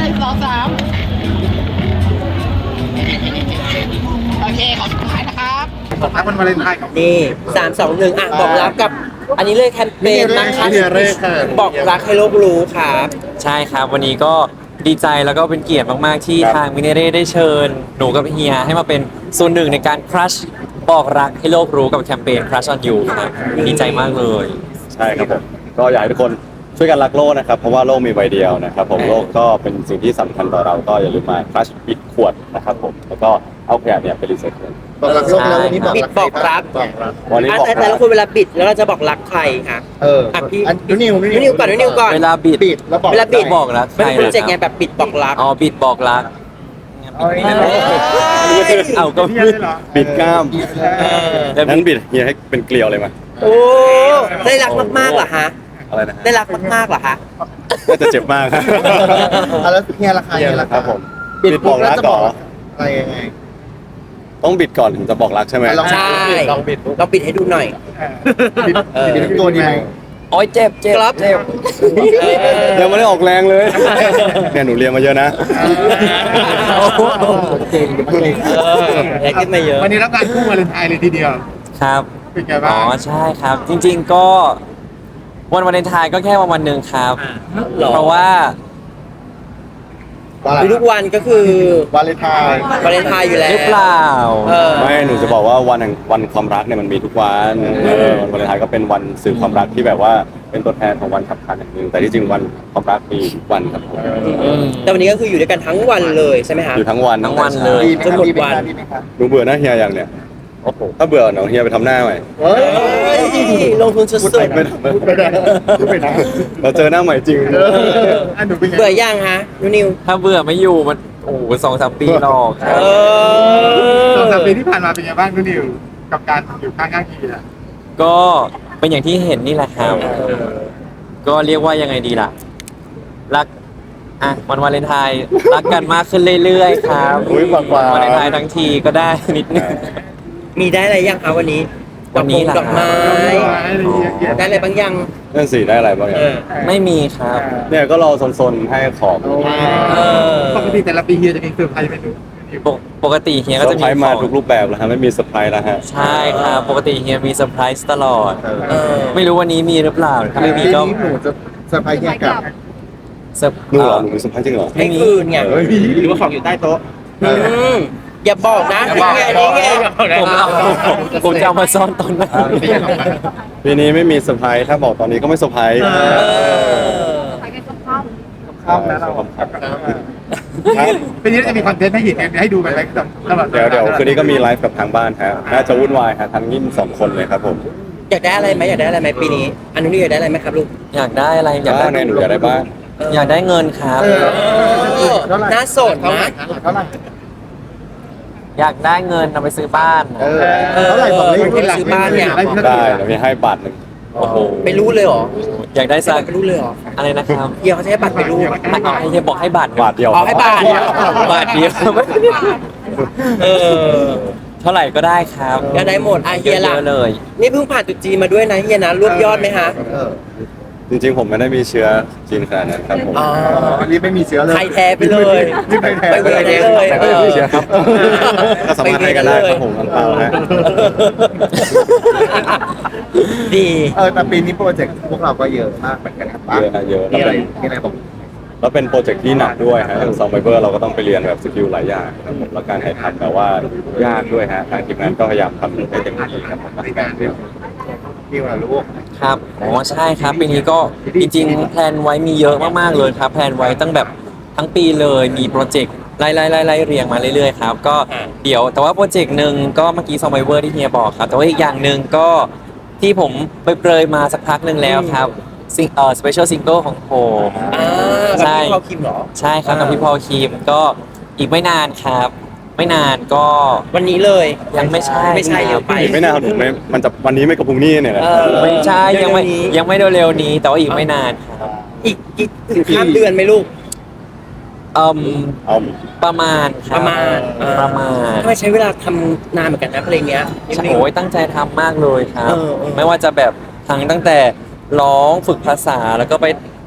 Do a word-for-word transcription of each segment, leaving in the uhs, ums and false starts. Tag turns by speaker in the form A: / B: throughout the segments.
A: สองสามโอเคขอสุดท้ายนะครับบอกรักวันวาเลนไทน์ครับ
B: นี่สามสองหนึ่งอ่ะบอกรักกับ อันนี้เลยแคมเปญนะคะ
C: นี่เร่ค่ะ
B: บอกรักให้โลกรู้ครับ
D: ใช่ครับวันนี้ก็ดีใจแล้วก็เป็นเกียรติมากๆที่
C: ครับ
D: ทางมิเนเร่ได้เชิญหนูกับเฮียให้มาเป็นส่วนหนึ่งในการครัชบอกรักให้โลกรู้กับแคมเปญ Crush on You ครับดีใจมากเลย
C: ใช่ครับผมก็อยากให้ทุกคนช่วยกันรักโลกนะครับเพราะว่าโลกมีใบเดียวนะครับผมโลกก็เป็นสิ่งที่สำคัญต่อเราก็อย่าลืมมาคลัชปิดขวดนะครับผมแล้วก็เอาขยะเนี่ยไปรีไซเคิล
E: บอกรักโลกแล้ววันนี้บอก
B: บิด
E: รัก
B: บอกรัก
E: บอกรัก
C: วันนี้
B: อ่ะ
C: บอก
B: แต่แต่ละคนเวลาบิดแล้วเราจะบอกรักใครคะ
E: เออ
B: อ่ะพี่
E: อันนิวนิว
B: นิวก่อนนิวก่อน
D: เวลาบิด
E: ปิดแล้วบอก
B: เวลาบิด
D: บอกรัก
B: มันเป็น
D: ใคร
B: โปรเจกต์ไง
D: นะครับ
B: แบบบิดบอกรัก
D: อ๋อบิดบอกรัก
E: เอาไว้
D: เอาก็
C: บิดบิดกล้าม
B: เออ
D: แล้ว
C: นั้นบิดเฮียให้เป็นเกลียวเลยมั้ย
B: โอ้ได้รักมากๆเหรอฮะ
C: อะไรนะฮะ
B: ได้รักมากๆเหรอฮะ
C: น่าจะเจ็บมากครับ
E: เอาแล้วเฮียราคาเฮียรา
C: ค
E: คา
C: รับผม
E: บิด
C: บิดบ
E: ปุ๊
C: อบ ก
E: แล้ว
C: รัก
E: จะ
C: ก่
E: บ
C: อ
E: อน กอะไรยังไง
C: ต้องบิดก่อนถึงจะบอกรักใช่ไหม
E: ลอง
B: ใช่
E: ลองบิดปุ๊บ
B: เราปิดให้ดูหน่อย
E: บิด
B: เออ
E: บิดตัวดีไหม
D: โอ้ยเจ็บเจ็บ
B: ครับ
D: เจ็บ
C: ยังไม่ได้ออกแรงเลยเนี่ยหนูเรียนมาเยอะนะ
E: เก่งเก่ง
B: เออได้ขึ้นมาเยอะ
A: วันนี้รับการคู่วาเลนไทน์เลยทีเดียว
D: ครับ
A: เป็นไง
D: อ๋
A: บ้า
D: อง ใช่ครับ จริงๆก็วันวาเลนไทน์ก็แค่วันวันหนึ่งครับ
B: หรอ
D: เพราะว่า
B: ทุกวันก็คือ
E: วาเลนไทน์
B: วาเลนไทน์อยู่แล้ว
D: หรือเปล่า
B: เออ
C: ไม่หนูจะบอกว่าวันแห่งวันความรักเนี่ยมันมีทุกวันเออวันวาเลนไทน์ก็เป็นวันสื่อความรักที่แบบว่าเป็นตัวแทนของวันสำคัญอย่างหนึ่งแต่ที่จริงวันความรักมีทุกวันครับผม
B: แต่วันนี้ก็คืออยู่ด้วยกันทั้งวันเลยใช่ไหมฮะ
C: อยู่ทั้งวัน
D: ทั้งวันเลย
E: ดีไหม
B: จนหมด
E: ดีไหม
B: วัน
E: ดีไหมครับ
C: หนูเบื่อหน้าเฮียอย่างเนี่ยโอ้โหถ้าเบื่อเดี๋ยวเฮียไปทำหน้าใหม่
E: เฮ้ย
B: เฮ้ยลงทุนสุด
C: ไม่ทำ
E: พูดไปได้พูดไปได้
C: เราเจอหน้าใหม่จริง
A: อันหนูเป็นไง
B: ๆเบื่อยังฮะนูนิว
D: ถ้าเบื่อไม่อยู่มันโอ้โหสองสามปีหรอกครับ
B: เออ
A: สองสามปีที่ผ่านมาเป็นไงบ้างคุณนิวกับการอยู่ข้างข้างคีอ่ะ
D: ก็เป็นอย่างที่เห็นนี่แหละครับ ก็เรียกว่ายังไงดีล่ะ รักอ่ะวันวาเลนไทน์รักกันมากขึ้นเรื่อยๆครับ
C: อุ๊ยปากหวาน
D: วาเลนไทน์ทั้งทีก็ได้นิดนึง
B: มีได้อะไรยังคะวันนี้
D: วันนี้เหรอ
B: ดอกไม้
A: อะไรเยอะแยะ
B: ได้อะไรบางยัง
C: นั่นสิได้อะไรบ้าง
B: เอ
C: เนี่ย
B: อ
D: ไม่มีครับ
C: เนี่ยก็รอซนๆให้ของ
B: เออ
A: ปกติแต่ละปีเฮียจะมีเซอร์ไพรส์ไหมดูนิว
D: ปกปกติเฮีย
C: เซ
D: ก็
C: อ
D: จะ
C: ร์
D: มี
C: ไพรส์มา
D: ของ
C: ทุกรูปแบบแล้วฮะไม่มีเซอร์ไพรส์แล้วฮะ
D: ใช่ครับ ปกติเฮียมีเซอร์ไพรส์ตลอด
B: เออ
D: ไม่รู้วันนี้มีหรือเปล่าถ้าไม่มี
E: ปี
D: ก็
E: นี้หนูจะเซอร์ไพรส์เฮียกลับ
D: เซอร์
C: หนูเหรอหนูมีเซอร์ไพรส์จริงเหรอ
B: ให้คืนไง
C: เฮ้ย
A: หรือว่าของอยู่ใต้โต๊ะ
B: อืมอย่าบอกนะนี่ไงนี่ไง
D: ผมเอาผมจะเอามาซ่อนตอนไหน
C: ปีนี้ไม่มีเซอร์ไพรส์ถ้าบอกตอนนี้ก็ไม่เซอร์ไพรส์
B: เออ
A: ข้ามนะเรา
C: ครับ
A: ปีนี้จะมีคอนเทนต์ให้เห็นให้ดูไปไหมตลอด
C: เดี๋ยวเดี๋ยวคืนนี้ก็มีไลฟ์กับทางบ้านฮะน่าจะวุ่นวายฮะทั้งยิ่งสองคนเลยครับผม
B: อยากได้อะไรไหมอยากได้อะไรไหมปีนี้อันนู้นอยากได้อะไรไหมครับลูก
D: อยากได้อะไรอยากได้
C: บ้านในหนูอยากได้บ้าน
D: อยากได้เงินครับ
E: เออ
B: เออน่าสน
E: เท่าไหร่
B: นะ
E: เท่าไหร่
D: อยากได้เงินเอาไปซื้อบ้าน
E: เออเท่าไหร่บอกเลย
B: ที่ซื้อบ้านเนี่ย
C: ได้เดี๋ยวมีให้บาทหนึ่ง
D: โอ้โห
B: ไปรู้เลยเหรอ
D: อยากได้สัก
B: ไปรู้เลยเหรอ
D: อะไรนะครับ
B: เฮียเขาจะให้บัตรไปรู้
D: ไม่เอาให้เฮียบอกให้บาท
C: บาทเดียว
B: เอาให้บาท
D: บาทเดียว
B: เออ
D: เท่าไหร่ก็ได้ครับ
B: ก็ได้หมดอ่ะเฮียล่ะ
D: เยอะๆเลย
B: นี่เพิ่งผ่านตรุ๊จีนมาด้วยนะเฮียนะรวบยอดไหมฮะ
E: เออ
C: จริงๆผมไม่ได้มีเชื้อจีนขนาดนั้นครับผม
B: อ๋อ
E: อันนี้ไม่มีเชื้อเลย
B: ไทยแท้ไปเลย
E: นี่ไม่แท้
B: ไปเวรได้เลย
C: แต่ก็ยังมีเชื้อครับก็สามารถให้กันได้ครับผมอังเปาฮะ
B: ดี
E: เออแต่ปีนี้โปรเจกต์พวกเราก็เยอะมากเหมือนกันครับ
C: เยอะฮะเยอะ
E: มี
C: แล้ว
E: อะไร
C: เป็น
E: มีอะไรบอก
C: แล้วเป็นโปรเจกต์ที่หนักด้วยฮะอย่างซอมไบเบอร์เราก็ต้องไปเรียนแบบสกิลหลายอย่างครับผมแล้วการถ่ายทำแบบว่ายากด้วยฮะทางทีมงานก็พยายามทำให้เต็มที่ครับผมในการเรียน
E: มีอะไรลูก
D: ครับอ๋อใช่ครับปีนี้ก็จริงๆแพลนไว้มีเยอะมากๆเลยครับแพลนไว้ตั้งแบบทั้งปีเลยมีโปรเจกต์ไล่ไล่ไล่ไล่เรียงมาเรื่อยๆครับก็เดี๋ยวแต่ว่าโปรเจกต์หนึ่งก็เมื่อกี้ซอมไบเวอร์ที่เฮียบอกครับแต่ว่าอีกอย่างหนึ่งก็ที่ผมไปเปรยมาสักพักหนึ่งแล้วครับซิงเอ่อสเปเชียลซิงเกิลของผม
B: อ่า
D: ใช่
B: กับพี่เขาคิมเหรอ
D: ใช่ครับกับพี่พอลคีมก็อีกไม่นานครับ ไม่นานก็
B: วันนี้เลย
D: ยังไม่ใช่
B: ไม่ใช่เร็วไป
C: อีกไม่นานหนูไม่มันจะวันนี้ไม่กระพุ้งนี่เนี่ยนะ
B: เออ
D: ไม่ใช่ยังไม่
B: เร็วๆนี้
D: ยังไม่เร็วๆนี้ แต่ว่าอีกไม่นานครับ
B: อีกอีกถึงข้ามเดือนไหมลูก
D: เอ่ม
C: เอา
D: ประมาณค
B: ป
D: รับ
B: ระมาณ
D: ประมาณ
B: ทำไมใช้เวลาทำนานเหมือนกันนะเพลงเนี้ย
D: โอ้ยตั้งใจทำมากเลยครับ
B: เออเออ
D: ไม่ว่าจะแบบทั้งตั้งแต่ร้องฝึกภาษาแล้วก็ไป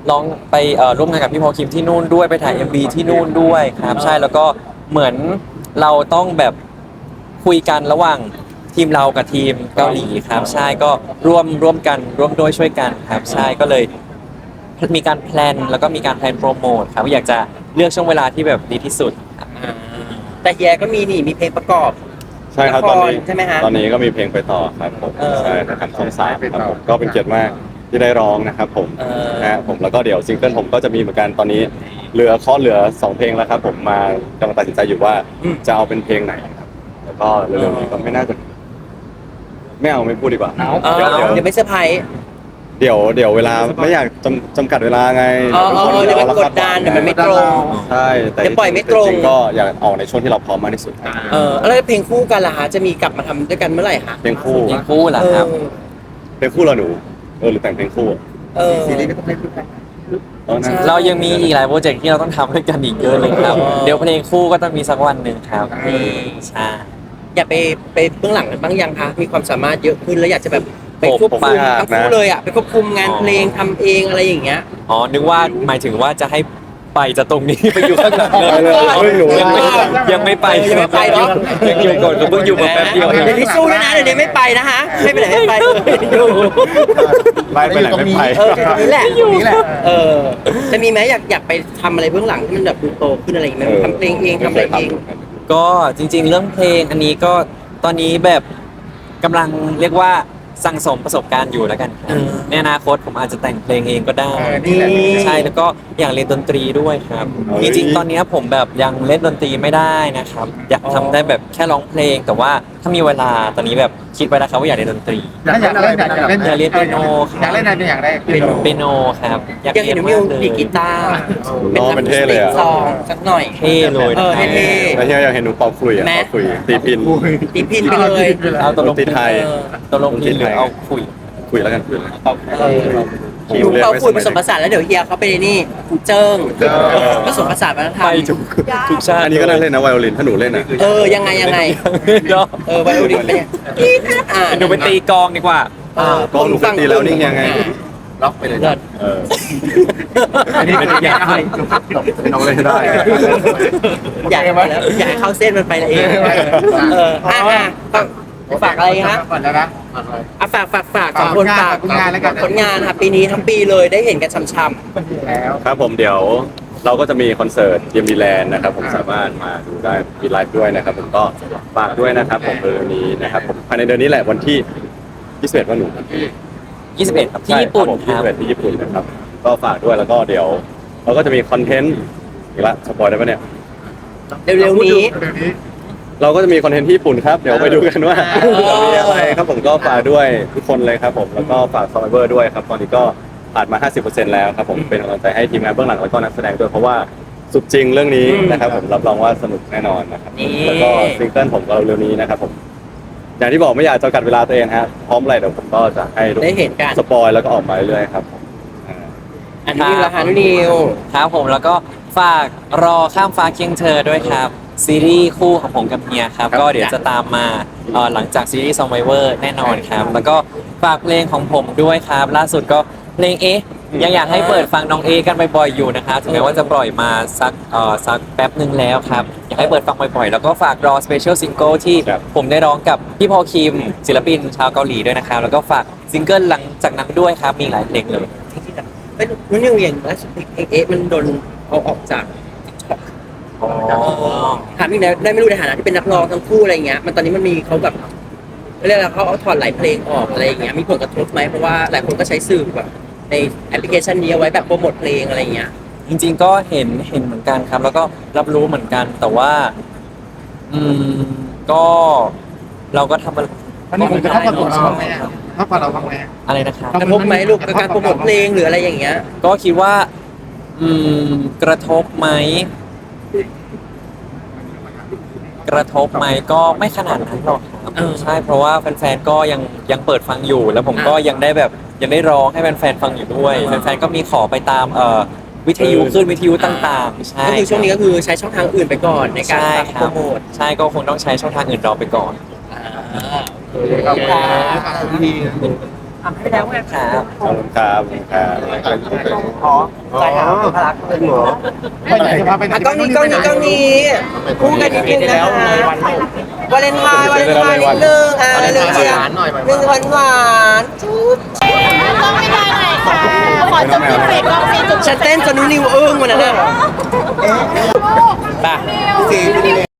D: ร้องไปเอ่อร่วมงานกับพี่พอลคิมที่นู่นด้วยไปถ่าย เอ็ม วี ที่นู่นด้วยครับใช่แล้วก็เหมือนเราต้องแบบคุยกันระหว่างทีมเรากับทีมเกาหลีครับใช่ก็ร่วมร่วมกันร่วมด้วยช่วยกันครับใช่ก็เลยมีการแพลนแล้วก็มีการแพลนโปรโมทครับอยากจะเลือกช่วงเวลาที่แบบดีที่สุดครับ
B: อ่าแต่เฮียก็มีนี่มีเพลงประกอบ
C: ใช่ครับ
B: ละคร
C: ตอนนี้
B: ใช่ไหมฮะ
C: ตอนนี้ก็มีเพลงไปต่อครับผม
B: เออ
C: ใช่นะครับช่องสามครับผมก็เป็นเกียรติมากที่ได้ร้องนะครับผม
B: เออ
C: นะฮะผมแล้วก็เดี๋ยวซิงเกิลผมก็จะมีเหมือนกันตอนนี้เหลือข้อเหลือสองเพลงแล้วครับผมมากำลังตัดสินใจอยู่ว่าจะเอาเป็นเพลงไหนครับแล้วก็เร็วๆนี้ก็ไม่น่าจะไม่เอาไม่พูดดีกว่า
B: เออ
C: เดี๋ยวเดี๋ยว
B: เดี๋ยวไม่เซอร์ไพรส์
C: เดี๋ยวเดี๋ยวเวลาไม่อยากจำจำกัดเวลาไง
B: เออเออเออเดี๋ยวมันกดดันเดี๋ยวมันไม่ตรง
C: ใช่แต่
B: เดี๋ยวปล่อยไม่ตรง
C: จๆก็อยากออกในช่วงที่เราพร้อมมากที่สุดครับ
B: เออแล้วเพลงคู่กันล่ะฮะจะมีกลับมาทำด้วยกันเมื่อไหร่ฮะ
C: เพลงคู่
D: เพลงคู่เหรอครับ
B: เออ
C: เพลงคู่เหราหนูเออหรือแต่งเพลงคู่อะ
B: เออ
E: ซีรีส์ก็ต้องเล่นด้วยกัน
C: เออนะ
B: ใช่
D: เรายังมีอีกหลายโปรเจกต์ที่เราต้องทำด้วยกันอีกเยอะเลยครับ
B: อ๋อ
D: เดี๋ยวเพลงคู่ก็ต้องมีสักวันหนึ่งครับ
B: อืม
D: ใช่
B: อยากไปไปเบื้องหลังกันบ้างยังคะมีความสามารถเยอะขึ้นแล้วอยากจะแบบไปควบคุมทั้งคู่เลยอ่ะไปควบคุมงานเพลงทำเองอะไรอย่างเงี้ย
D: อ๋อ นึกว่าหมายถึงว่าจะให้ไปจากตรงนี้ ไปอยู่ข้างหลังเลย
C: ไปเลยเฮ้ยหนู
D: ยังไม่ยังไม่ไป
B: เออยังไม่ไปเนอะ
D: ยังอยู่ก่อนก็เพิ่งอยู่มาแป๊บเดียวเอง
B: เดี๋ยวนี้สู้ด้วยนะเดี๋ยวนี้ไม่ไปนะฮะไม่ไปไหนไม่ไปเลยอยู่
C: ไล่ไปไหนไม่ไป
B: เออแค่ตรงนี้แหละ
E: ตรงนี้แหละ
B: เออจะมีไหมอยากอยากไปทำอะไรเบื้องหลังที่มันแบบดูโตขึ้นอะไรอย่างเงี้ยทำเพลงเองทำอะไรเอง
D: ก็จริง ๆ เรื่องเพลงอันนี้ก็ตอนนี้แบบกำลังเรียกว่าสั่งสมประสบการณ์อยู่แล้วกันครับ
B: อืม
D: ในอนาคตผมอาจจะแต่งเพลงเองก็ได้
E: เออนี่แหละ
D: ใช่แล้วก็อยากเรียนดนตรีด้วยครับ
C: เฮ้
D: จ
C: ย
D: ริงๆตอนนี้ผมแบบยังเล่นดนตรีไม่ได้นะครับ อยากทำได้แบบแค่ร้องเพลง แต่ว่าถ้ามีเวลาตอนนี้แบบคิดไว้แล้วครับว่าอยากเรียนดนตรี
E: อยากเล่นอะไรอยากเล่น
D: อยากเรียนเปียโนครับ
E: อยากเล่นอะไรเป็นอย่างแรก
D: เป็นเปียโนครับอยาก
B: อยาก
D: เรี
B: เห็
D: ย
B: น
D: น
B: มิ
D: มาว กเลย
B: ดีดกีตาร์
C: น้องเป็นเท่เลยอะ
B: ซองสักหน่อย
D: เท่เลย
B: เอ
D: นะ
B: อ
D: ครับ
B: เท่
C: แล้วเฮียอยากเห็นหนูเป่าขลุ่ยอ่ะ
B: แม้
C: เป่าขลุ่ยตีพิน
B: ตีพินไปเลย
D: เอาตกลง
C: ดนตรีไทย
B: เออ
D: ตกลงพินหรือเอาคุย
C: คุยแล้วกันคุยแล้ว
B: เออ
C: คิว
B: ดู
C: เรียก
B: เขา
C: ไว้
B: คุย
C: ส
B: ผ
C: มัย
B: สมผ
C: เด็ก
B: สานแล้วเดี๋ยวเฮียเขาไปนี่เจิ้ง
C: เจิ้ง
B: ผสมผสานวัฒนธรร
D: ไป
B: ม
D: ทุกทุกชาติ
C: อันนี้ก็น่าเล่นนะไวโอลินถ้าหนูเล่นอ่ะ
B: เออยังไงยังไง
D: เนาะ
B: เออไวโอลินเป็นยังกีตาร์อ่า
D: หนูไปตีกลองดีกว่า
B: เออ
C: ก็หนูเคยตีแล้วนี่ยังไง
E: ล็อกไปเลย
B: เลิศ
C: เออ
E: อันนี้เป็นอย่างไรจบน้องเล่นได้
B: อยากไปแล้วอยากให้เข้าเส้นมันไปเองเอออ่ะอ่ะฝากอะไรฮะ
E: ก่อนแล้วนะ
B: อ่ะฝากฝากฝากสองคนฝาก
E: ผลงานแล้วกัน
B: ผลงานค่ะปีนี้ทั้งปีเลยได้เห็นกันช่ำ
E: แล้ว
C: ครับผมเดี๋ยวเราก็จะมีคอนเสิร์ตเยมีแลนด์นะครับผมสามารถมาดูได้มีไลฟ์ด้วยนะครับผมก็ฝากด้วยนะครับผมเดือนนี้นะครับผมภายในเดือนนี้แหละวันที่ยี่สิบเอ็ดวันหนู
D: ยี่สิบเอ็ดครับที่ญี่ปุ่น
C: ผม
D: ค
C: ยี่
D: รับ
C: สิบเอ็ดที่ญี่ปุ่นนะครับก็ฝากด้วยแล้วก็เดี๋ยว เราก็จะมีคอนเทนต์อีกละสปอยได้ปะเนี่ย
B: ๆเร็วๆนี้
E: เดี๋ยวนี้
C: เราก็จะมีคอนเทนต์ที่ญี่ปุ่นครับ เดี๋ยวไปดูกันว่า
B: เออ
C: จะมีอะไรครับผมก็ฝากด้วยทุกคนเลยครับผมแล้วก็ฝากซอมเบอร์ด้วยครับตอนนี้ก็ผ่านมา ห้าสิบเปอร์เซ็นต์ แล้วครับผมเป็นกำลังใจให้ทีมงานเบื้องหลังแล้วก็นักแสดงด้วยเพราะว่าสุดจริงเรื่องนี้นะครับผมรับรองว่าสนุกแน่นอนนะครับ
B: นี่
C: แล้วก็ซิงเกิลผมก็เร็วๆนี้นะครับผมอย่างที่บอกไม่อยากจำกัดเวลาตัวเองฮะพร้อมอะไรเดี๋ยวผมก็จะให้ทุก
B: ได้เห็นกัน
C: สปอยแล้วก็ออกมาเรื่อยๆครับผมอ่า
B: อันนี้ราคานิว
D: ครับผมแล้วก็ฝากรอข้ามฟ้าเคียงเธอด้วยครับ ซีรีส์คู่ของผมกับเฮียครับ ก็เดี๋ยวจะตามมาเอ่อหลังจากซีรีส์ซอมไวเวอร์แน่นอนครับ แล้วก็ฝากเพลงของผมด้วยครับ ล่าสุดก็เพลงเอ๊ะยังอยากให้เปิดฟังน้องเอกันบ่อยๆอยู่นะครับถึงแม้ว่าจะปล่อยมาสักเอ่อสักแป๊บหนึ่งแล้วครับ อยากให้เปิดฟังบ่อยๆ แล้วก็ฝากรอสเปเชียลซิงเกิลที่
C: ครับ
D: ผมได้ร้องกับพี่พอลคิม ศิลปินชาวเกาหลีด้วยนะครับแล้วก็ฝากซิงเกิลหลังจากนั้นด้วยครับมีหลายเพลงเลย
B: เอ้ยนุ่นนิวอย่างล่าสุดเพลงเอ๊ะมันโดนเอาออกจากถามอีกแล้วได้ไม่รู้ในฐานะที่เป็นนักร้องทั้งคู่อะไรอย่างเงี้ยมันตอนนี้มันมีเขาแบบเรียกอะไรเขาเอาถอดหลายเพลงออกอะไรอย่างเงี้ยมีผลกระทบไหมเพราะว่าหลายคนก็ใช้สื่อแบบในแอปพลิเคชันนี้เอาไว้แบบโปรโมทเพลงอะไรอย่างเงี้ย
D: จริงๆก็เห็นเห็นเหมือนกันครับ แล้วก็รับรู้เหมือนกัน แต่ว่า อืมก็เราก็ทำมัน
E: อันนี้มันจะเข้ากับตัวเราบ้างไหมอะเข้ากับเราบ้างไหม
D: อะไรนะครับ
B: กระทบไหมลูกกับการโปรโมทเพลงหรืออะไรอย่างเงี้ย
D: ก็คิดว่า อืม กระทบไหม กระทบไหมก็ไม่ขนาดนั้นหรอกครับ
B: เออ
D: ใช่เพราะว่าแฟนๆก็ยังยังเปิดฟังอยู่ แล้วผมก็
B: อ่ายั
D: ยังได้แบบยังได้ร้องให้แฟนๆฟังอยู่ด้วยแฟนๆก็มีขอไปตามเอ่อวิทยุขึ้นวิทยุต่างๆ ใช่
B: ก็คือช่วงนี้ก็คือใช้ช่องทางอื่นไปก่อนในการ
D: ใช่
B: ฝาก
D: ค
B: โป
D: รั
B: ร
D: บ
B: โมท
D: ใช่ก็คงต้องใช้ช่องทางอื่นรอไปก่อน
B: อ่า
E: ขอบคุณครับ
B: อ่ะไม่ได้แล้วไงครับ
C: ขอบคุณครับขอบคุณครับ
B: ขอใจหาพลักเลยหรอ
A: ไปไหนจะพาไปไหน
B: อ่ะกล้องนี้กล้องนี้กล้องนี้คู่กันนิดนึงนะคะวาเลนไทน์วาเลนไทน์นิดนึงอ่ะเร็วๆเชียร์หนึ่งหวานหวานจุ๊บ
F: กล้องไม่ได้หน่อยค่ะ ขอจุ๊บที่เฟซกล้องซีจุ๊บ
B: ฉันเต้นจนนิ้วนิวอึ้งวันนั้นน่ะ
F: ลูก
B: ไป